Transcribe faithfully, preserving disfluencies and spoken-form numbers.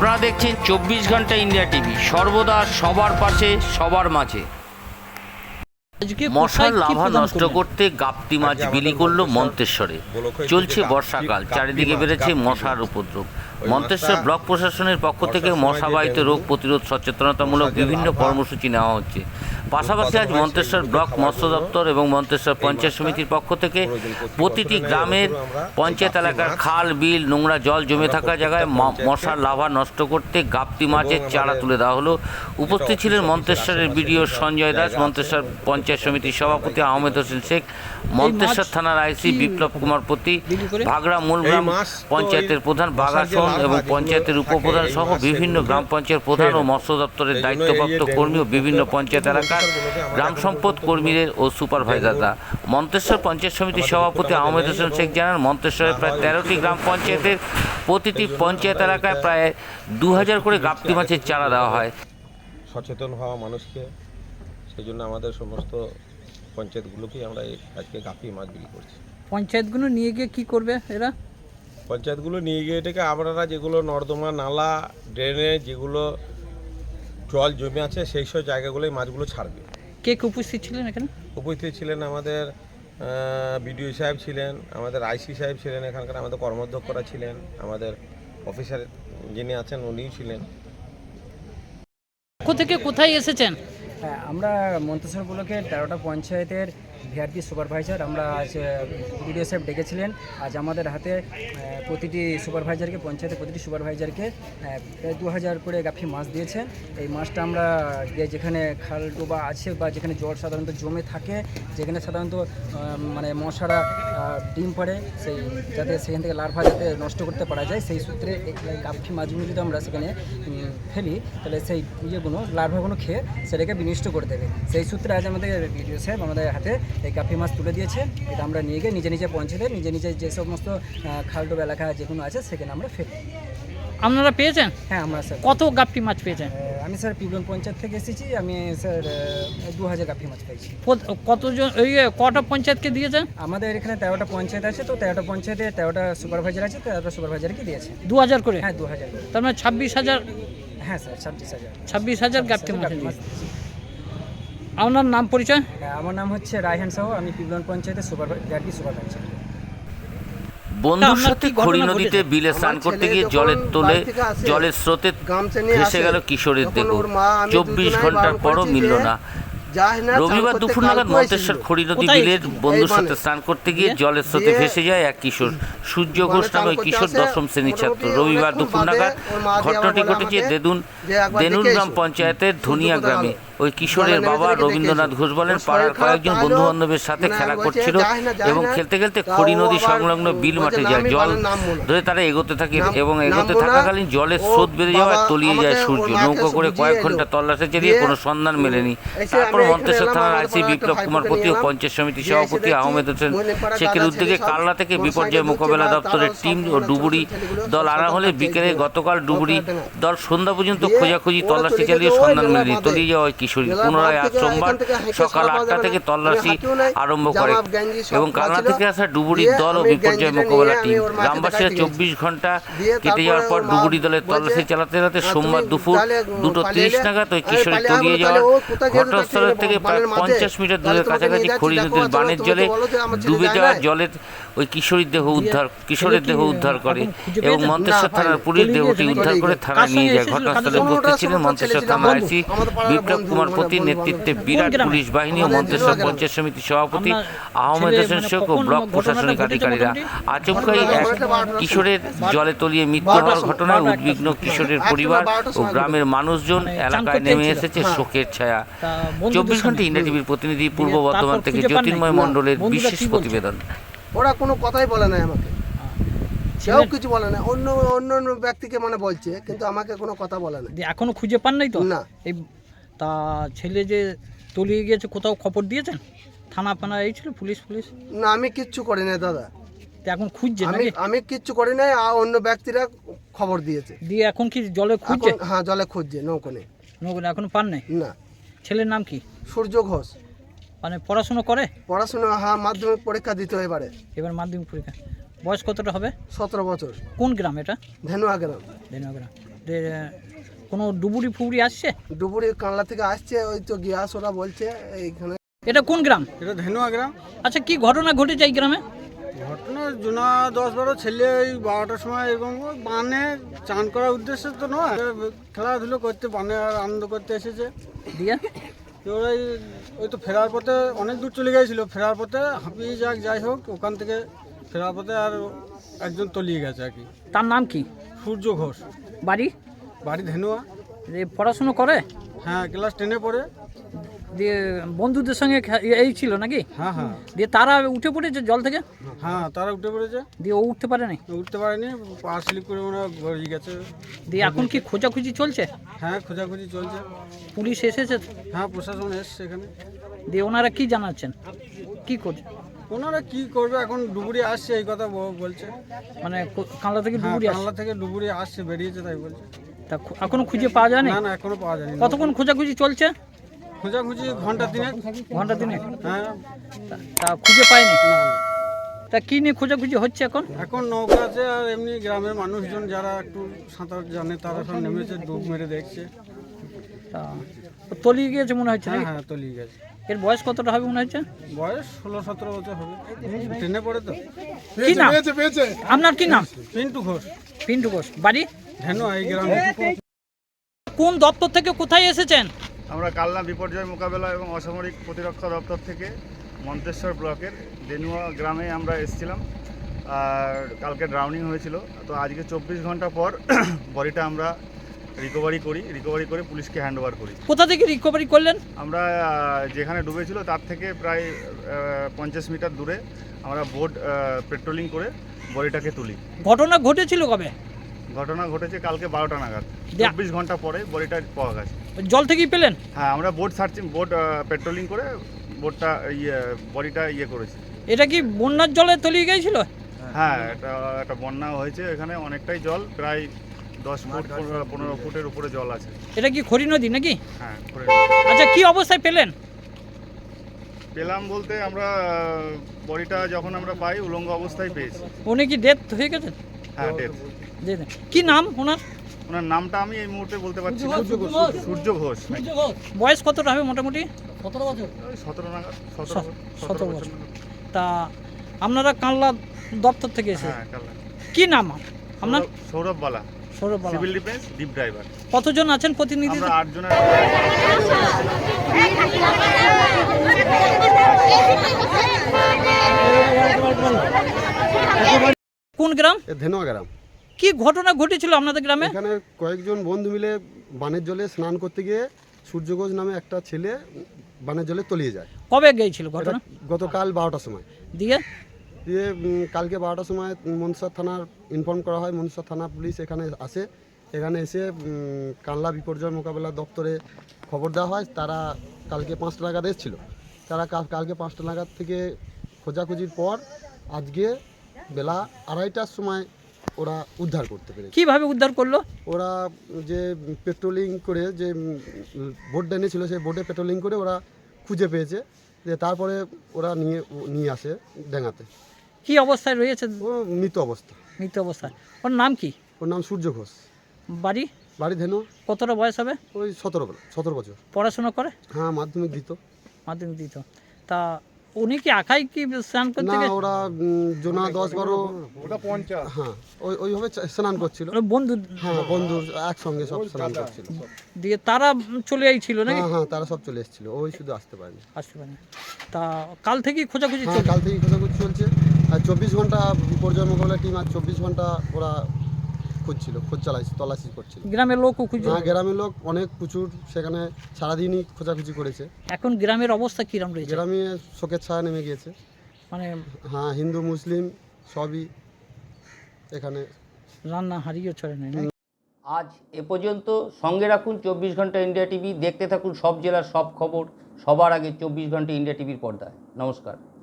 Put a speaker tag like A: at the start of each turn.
A: আপনারা দেখছেন চব্বিশ ঘন্টা ইন্ডিয়া টিভি, সর্বদা সবার পাশে সবার মাঝে। মশার লাভা নষ্ট করতে গাপ্তি মাছ বিলি করল মন্তেশ্বরে। চলছে বর্ষাকাল, চারিদিকে বেড়েছে মশার উপদ্রব। মন্তেশ্বর ব্লক প্রশাসনের পক্ষ থেকে মশাবাহিত রোগ প্রতিরোধ সচেতনতামূলক বিভিন্ন কর্মসূচি নেওয়া হচ্ছে। পাশাপাশি আজ মন্তেশ্বর ব্লক মৎস্য দপ্তর এবং মন্তেশ্বর পঞ্চায়েত সমিতির পক্ষ থেকে প্রতিটি গ্রামের পঞ্চায়েত এলাকার খাল বিল নোংরা জল জমে থাকা জায়গায় মশার লাভা নষ্ট করতে গাপ্তি মাছের চারা তুলে দেওয়া হলো। উপস্থিত ছিলেন মন্তেশ্বরের বিডিও সঞ্জয় দাস, মন্তেশ্বর পঞ্চায়েত সমিতির সভাপতি আহমেদ হোসেন শেখ, মন্তেশ্বর থানার আইসি বিপ্লব কুমার পতি, ভাগড়া মূলগ্রাম পঞ্চায়েতের প্রধান বাগাসন এবং পঞ্চায়েতের উপপ্রধান সহ বিভিন্ন গ্রাম পঞ্চায়েত প্রধান ও মৎস্য দপ্তরের দায়িত্বপ্রাপ্ত কর্মী ও বিভিন্ন পঞ্চায়েত এলাকার গ্রাম সম্পদ কর্মীদের ও সুপারভাইজাররা। মন্তেশ্বর পঞ্চায়েত সমিতির সভাপতি আহমেদ হোসেন শেখ জানান, মন্তেশ্বরের প্রায় তেরোটি গ্রাম পঞ্চায়েতের প্রতিটি পঞ্চায়েত এলাকায় প্রায় দু হাজার করে গাপ্তি মাছের চারা দেওয়া হয়।
B: সচেতন হওয়া মানুষকে, সেই জন্য আমাদের সমস্ত পঞ্চায়েতগুলোকেই আমরা আজকে গাপ্তি মাছ বিক্রি করছি।
C: পঞ্চায়েতগুলো নিয়ে গিয়ে কী করবে এরা?
B: পঞ্চায়েতগুলো নিয়ে গিয়ে এটাকে আপনারা যেগুলো নর্দমা নালা ড্রেনে যেগুলো জল জমে আছে সেই সব জায়গাগুলোই মাছগুলো ছাড়বে।
C: কে কে উপস্থিত ছিলেন এখানে?
B: উপস্থিত ছিলেন আমাদের বিডিও সাহেব ছিলেন, আমাদের আইসি সাহেব ছিলেন, এখানকার আমাদের কর্মাধ্যক্ষরা ছিলেন, আমাদের অফিসার যিনি আছেন উনিও ছিলেন।
C: কোথা থেকে কোথায় এসেছেন?
D: হ্যাঁ, আমরা মন্তেশ্বর ব্লকের তেরোটা পঞ্চায়েতের ভিআরপি সুপারভাইজার আমরা আজ বিডিও সাহেব ডেকেছিলেন। আজ আমাদের হাতে প্রতিটি সুপারভাইজারকে, পঞ্চায়েতের প্রতিটি সুপারভাইজারকে প্রায় দু হাজার করে গাপ্পি মাছ দিয়েছেন। এই মাছটা আমরা যেখানে খাল ডোবা আছে বা যেখানে জল সাধারণত জমে থাকে, যেখানে সাধারণত মানে মশারা ডিম পাড়ে, সেই যাতে সেখান থেকে লার্ভা যাতে নষ্ট করতে পারা যায়, সেই সূত্রে এই গাপ্পি মাছগুলো যদি আমরা সেখানে ফেলি তাহলে সেই ইয়েগুলো লার্ভাগুলো খেয়ে সেটাকে বিনষ্ট করে দেবে। সেই সূত্রে আজ আমাদের বিডিও সাহেব আমাদের হাতে এই গাপ্পি মাছ তুলে দিয়েছে। এটা আমরা নিয়ে গিয়ে নিজে নিজে পৌঁছে নিজে নিজে যে সমস্ত খালডোব এলাকা যেগুলো আছে সেখানে আমরা ফেলি।
C: আপনারা পেয়েছেন?
D: হ্যাঁ, আমরা স্যার।
C: কত গাপ্পি মাছ পেয়েছেন?
D: আমি স্যার পিবলন পঞ্চায়েত থেকে এসেছি। আমি স্যার দু হাজার গাপ্পি মাছ পেয়েছি।
C: কতজন ওই কটা পঞ্চায়েতকে দিয়েছেন?
D: আমাদের এখানে তেরোটা পঞ্চায়েত আছে, তো তেরোটা পঞ্চায়েতে তেরোটা সুপারভাইজার আছে, তেরোটা সুপারভাইজারকে দিয়েছে দু
C: হাজার করে।
D: হ্যাঁ, দু হাজার করে।
C: তার মানে ছাব্বিশ হাজার।
D: হ্যাঁ স্যার, ছাব্বিশ হাজার
C: ছাব্বিশ হাজার গাপ্পি মাছ। আপনার নাম পরিচয়?
D: আমার নাম হচ্ছে রায়হান সাহু, আমি পিবলন পঞ্চায়েতের সুপারভাইজার সুপারভাইজার।
A: বন্ধুর সাথে খড়ি নদীতে বিলে স্নান করতে গিয়ে জলের তোলে জলের স্রোতে ভেসে গেল কিশোরের দেহ। চব্বিশ ঘন্টার পরও মিলল না। রবিবার দুপুর নাগাদ মন্তেশ্বর খড়ি নদী বিলের বন্ধুর সাথে স্নান করতে গিয়ে জলের স্রোতে ভেসে যায় এক কিশোর। সূর্য ঘোষ নামে ওই কিশোর দশম শ্রেণীর ছাত্র। রবিবার দুপুর নাগাদ ঘটনাটি ঘটেছে দেদুন দেনুন গ্রাম পঞ্চায়েতের ধনিয়া গ্রামে। ওই কিশোরের বাবা রবীন্দ্রনাথ ঘোষ বলেন, পাড়ার কয়েকজন বন্ধু বান্ধবের সাথে খেলা করছিল এবং খেলতে খেলতে খড়ি নদী সংলগ্ন বিল মাঠে যায়। জল ধরে তারা এগোতে থাকে এবং এগোতে থাকাকালীন জলের স্রোত বেড়ে যাওয়ায় তলিয়ে যায় সূর্য। নৌকো করে কয়েক ঘন্টা তল্লাশি চালিয়ে কোনো সন্ধান মেলেনি। তারপর মন্তেশ্বর থানার আইসি বিপ্লব কুমার পতি ও পঞ্চায়েত সমিতির সভাপতি আহমেদ হোসেন শেখের উদ্যোগে কালনা থেকে বিপর্যয় মোকাবেলা দপ্তরের টিম ও ডুবুরি দল আনা হলে বিকেলে গতকাল ডুবুরি দল সন্ধ্যা পর্যন্ত খোঁজাখুঁজি তল্লাশি চালিয়ে সন্ধান মেলেনি। তলিয়ে যাওয়া কিশোরী পুনরায় আজ সোমবার সকাল আটটা থেকে তল্লাশি আরম্ভ করে এবং কালনা থেকে আসা ডুবুরির দল ও বিপর্যয় মোকাবেলা টিম। গ্রামবাসীরা চব্বিশ ঘন্টা কেটে যাওয়ার পর ডুবুরি দলের তল্লাশি চালাতে চালাতে সোমবার দুপুর দুটো তিরিশ নাগাদ ওই কিশোরী তলিয়ে যাওয়ার ঘটনাস্থলের থেকে প্রায় পঞ্চাশ মিটার দূরের কাছাকাছি খড়ি নদীর বানের জলে ডুবে যাওয়া জলের ওই কিশোরীর দেহ উদ্ধার কিশোরের দেহ উদ্ধার করে এবং মন্তেশ্বর থানার পুলিশ দেহটি উদ্ধার করে থানায় নিয়ে যায়। ঘটনাস্থলে উপস্থিত ছিলেন মন্তেশ্বর থানার আইসি বিপ্লব কুমার পতির নেতৃত্বে বিরাট পুলিশ বাহিনী ও মন্তেশ্বর পঞ্চায়েত সমিতির সভাপতি আহমেদ হোসেন শেখ ও ব্লক প্রশাসনিক আধিকারিকরা। আচমকাই এক কিশোরের জলে তলিয়ে মৃত্যু হওয়ার ঘটনায় উদ্বিগ্ন কিশোরের পরিবার ও গ্রামের মানুষজন এলাকায় নেমে এসেছে শোকের ছায়া। চব্বিশ ঘন্টা ইন্ডিয়া টিভির প্রতিনিধি পূর্ব বর্ধমান থেকে জ্যোতির্ময় মণ্ডলের বিশেষ প্রতিবেদন।
E: ওরা কোনো কথাই বলে না আমাকে, কেউ কিছু বলে না। অন্য অন্য অন্য ব্যক্তিকে মানে বলছে, কিন্তু আমাকে কোনো কথা বলে না।
C: এখনো খুঁজে পান নাই তো?
E: না।
C: এই তা ছেলে যে তলিয়ে গিয়েছে কোথাও খবর দিয়েছেন? থানা ফানা এই ছিল পুলিশ পুলিশ?
E: না, আমি কিচ্ছু করি না দাদা।
C: এখন খুঁজছে?
E: আমি আমি কিচ্ছু করি নাই, আর অন্য ব্যক্তিরা খবর দিয়েছে।
C: দিয়ে এখন কি জলে খুঁজছে?
E: হ্যাঁ, জলে খুঁজছে, নৌকো নেই।
C: নৌকো এখনো পান নাই?
E: না।
C: ছেলের নাম কি?
E: সূর্য ঘোষ।
C: মানে পড়াশোনা করে?
E: পড়াশোনা, হ্যাঁ, মাধ্যমিক পরীক্ষা দিতে এবারে।
C: এবার মাধ্যমিক পরীক্ষা। বয়স কতটা হবে?
E: সতেরো বছর।
C: কোন গ্রাম এটা?
E: ধেনুয়া গ্রাম।
C: ধেনুয়া গ্রাম। যে কোনো ডুবুরি ফুবুরি আসছে?
E: ডুবুরি কানলা থেকে আসছে, ওই তো গ্যাস ওরা বলছে এইখানে।
C: এটা কোন গ্রাম?
F: এটা ধেনুয়া গ্রাম।
C: আচ্ছা, কি ঘটনা ঘটেছে এই গ্রামে?
F: ঘটনা জোনা দশ বারো ছেলে ওই বারোটার সময় এরকম ওই বানে চান করার উদ্দেশ্যে তো নয়, খেলাধুলো করতে বানে আর আনন্দ করতে এসেছে।
C: দিয়ে
F: তো ওরাই ওই তো ফেরার পথে অনেক দূর চলে গিয়েছিল, ফেরার পথে হাঁপিয়ে যাক যাই হোক ওখান থেকে ফেরার পথে আর একজন তলিয়ে গেছে আর কি।
C: তার নাম কি?
F: সূর্য ঘোষ,
C: বাড়ি?
F: বাড়ি ধেনুয়া।
C: যে পড়াশুনো করে?
F: হ্যাঁ, ক্লাস টেনে পড়ে।
C: দিয়ে বন্ধুদের সঙ্গে খে- এই ছিল নাকি?
F: হ্যাঁ হ্যাঁ
C: দিয়ে তারা উঠে পড়েছে জল থেকে?
F: হ্যাঁ, তারা উঠে পড়েছে।
C: দিয়ে ও উঠতে পারেনি?
F: উঠতে পারেনি, পা স্লিপ করে ওরা গড়িয়ে গেছে।
C: দিয়ে এখন কি খোঁজাখুঁজি চলছে?
F: হ্যাঁ, খোঁজাখুঁজি চলছে।
C: পুলিশ এসেছে?
F: হ্যাঁ, প্রশাসন এসছে এখানে।
C: দিয়ে ওনারা কি জানাচ্ছেন, কি করছে?
F: ওনারা কি করবে, এখন ডুবুরি আসছে এই কথা ব- বলছে।
C: মানে কো- কানলা থেকে
F: হ্যাঁ,
C: ডুবুরি আসছে?
F: কানলা থেকে ডুবুরি আসছে, বেরিয়েছে তাই বলছে।
C: তা খু- এখনো খুঁজে পাওয়া যায়নি?
F: না না, এখনো পাওয়া যায়নি।
C: কতক্ষণ খোঁজাখুঁজি চলছে?
F: খোঁজাখুঁজি ঘন্টা তিনেক।
C: ঘন্টা দিনে?
F: হ্যাঁ।
C: তা- তা খুঁজে পায়নি?
F: না না,
C: তা কি নিয়ে খোঁজাখুঁজি হচ্ছে এখন?
F: এখন নৌকা আছে আর এমনি গ্রামের মানুষজন যারা একটু সাঁতার জানে তারা সব নেমেছে, ডুব মেরে দেখছে।
C: তা ও তলিয়ে গিয়েছে মনে হচ্ছে
F: হ্যাঁ
C: নাকি?
F: হ্যাঁ, তলিয়ে গেছে।
C: এর বয়স কতটা হবে মনে হচ্ছে?
F: বয়স ষোলো সতেরো বছর হবে, ট্রেনে পড়ে তো।
C: কি নাম আপনার? কি নাম?
F: পিন্টু ঘোষ,
C: পিন্টু ঘোষ। বাড়ি?
F: ধেনু এই গ্রামে।
C: কোন দপ্তর থেকে কোথায় এসেছেন?
G: আমরা কালনা বিপর্যয় মোকাবেলা এবং অসামরিক প্রতিরক্ষা দপ্তর থেকে মন্তেশ্বর ব্লকের দেনুয়া গ্রামে আমরা এসেছিলাম। আর কালকে ড্রাউনিং হয়েছিল, তো আজকে চব্বিশ ঘন্টা পর বডিটা আমরা রিকভারি করি রিকভারি করে পুলিশকে হ্যান্ড ওভার করি।
C: কোথা থেকে রিকভারি করলেন?
G: আমরা আহ, যেখানে ডুবেছিল তার থেকে প্রায় পঞ্চাশ মিটার দূরে আমরা বোট পেট্রোলিং করে বডিটাকে তুলি।
C: ঘটনা ঘটেছিল কবে?
G: ঘটনা ঘটেছে কালকে বারোটা নাগাদ,
C: যা-
G: চব্বিশ ঘন্টা পরে বডিটা পাওয়া গেছে।
C: জল থেকেই পেলেন?
G: হ্যাঁ, আমরা বোট সার্চিং বোট পেট্রোলিং করে বোটটা ইয়ে বডিটা ইয়ে করেছি।
C: এটা কি বন্যার জলে তলিয়ে গিয়েছিল?
G: হ্যাঁ, এটা একটা বন্যা হয়েছে, এখানে অনেকটাই জল, প্রায় দশ ফুট পনেরো- পনেরো ফুটের উপরে জল আছে।
C: এটা কি খড়ি নদী নাকি?
G: হ্যাঁ, করে
C: আচ্ছা, কি অবস্থায় পেলেন?
G: পেলাম বলতে আমরা বডিটা যখন আমরা পাই উলঙ্গ অবস্থায় পেয়েছি।
C: উনি কি ডেথ হয়ে গেছেন?
G: হ্যাঁ, ডেথ।
C: যে- কি নাম ওনার?
G: ওনার নামটা আমি এই মুহূর্তে বলতে পারছি না। সূর্য ঘোষ।
C: বয়স কতটা হবে মোটামুটি? সতেরো বছর।
G: ওই সতেরো নাগাদ, সতেরো
C: সতেরো
G: সতেরো
C: বছর।
G: বছর নাগাদ।
C: তা আপনারা কানলা দপ্তর থেকে এসে
G: হ্যাঁ, কালনা।
C: কি নাম আপনার?
G: Sourav- Sourav Bala,
C: Sourav Bala.
G: Civil defence, deep driver.
C: কতজন আছেন প্রতিনিধি?
G: আমরা আট জনের।
C: কোন গ্রাম?
H: ধেনুয়া গ্রাম।
C: কি ঘটনা ঘটেছিল আপনাদের গ্রামে?
H: এখানে কয়েকজন বন্ধু মিলে বানের জলে স্নান করতে গিয়ে সূর্য ঘোষ নামে একটা ছেলে বানের জলে তলিয়ে যায়।
C: কবে গিয়েছিল
H: এটা
C: ঘটনা?
H: গতকাল বারোটার সময়।
C: দিয়ে
H: দিয়ে উম, কালকে বারোটার সময় মনসা থানার ইনফর্ম করা হয়, মনসা থানা পুলিশ এখানে আসে। এখানে এসে উম, কানলা বিপর্যয় মোকাবেলা দপ্তরে খবর দেওয়া হয়। তারা কালকে পাঁচটা নাগাদ এসেছিলো। তারা কাল- কালকে পাঁচটা নাগাদ থেকে খোঁজাখুঁজির পর আজকে বেলা আড়াইটার সময় ওরা উদ্ধার করতে পেরেছে।
C: কিভাবে উদ্ধার করলো?
H: ওরা যে পেট্রোলিং করে যে বোট এনেছিল সেই বোটে পেট্রোলিং করে ওরা খুঁজে পেয়েছে, যে তারপরে ওরা নিয়ে নিয়ে আসে ডেঙ্গাতে।
C: কি অবস্থায় রয়েছে?
H: ও মৃত অবস্থা।
C: মৃত অবস্থায়। ওর নাম কি?
H: ওর নাম সূর্য ঘোষ।
C: বাড়ি?
H: বাড়ি ধেনু।
C: কতটা বয়স হবে?
H: ওই সতেরো সতেরো বছর।
C: পড়াশোনা করে?
H: হ্যাঁ, মাধ্যমিক দিত।
C: মাধ্যমিক দিত। তা উনি কি একাই কি স্নান করতে
H: না,
C: গিয়ে-
H: ওরা উম, জোনা দশ বারো হ্যাঁ ওই ওইভাবে চা- স্নান করছিল।
C: ওর বন্ধু?
H: হ্যাঁ, বন্ধুর একসঙ্গে সব স্নান করছিল।
C: দিয়ে তারা চলে আইছিল নাকি?
H: হ্যাঁ হ্যাঁ, তারা সব চলে এসেছিল, ওই শুধু আসতে পারেনি।
C: আসতে পারে। তা কাল থেকেই খোঁজাখুঁজি
H: হ্যাঁ,
C: চলছে?
H: কাল থেকেই খোঁজাখুঁজি চলছে। আর চব্বিশ ঘন্টা বিপর্যয় মোকাবিলা টিম আর চব্বিশ ঘন্টা ওরা খুঁজছিল, খোঁজ চালাইছে, তল্লাশি করছিল।
C: গ্রামের লোকও খুঁজে?
H: হ্যাঁ, গ্রামের লোক অনেক প্রচুর সেখানে সারাদিনই খোঁজাখুঁজি করেছে।
C: এখন গ্রামের অবস্থা কিরম রয়েছে?
H: গ্রামে শোকের ছায়া নেমে গিয়েছে।
C: মানে
H: হ্যাঁ, হিন্দু মুসলিম সবই এখানে।
C: রান্না হারিয়ে চলে নেই।
A: আজ এ পর্যন্ত। সঙ্গে রাখুন চব্বিশ ঘন্টা ইন্ডিয়া টিভি। দেখতে থাকুন সব জেলার সব খবর সবার আগে চব্বিশ ঘন্টা ইন্ডিয়া টিভির পর্দায়। নমস্কার।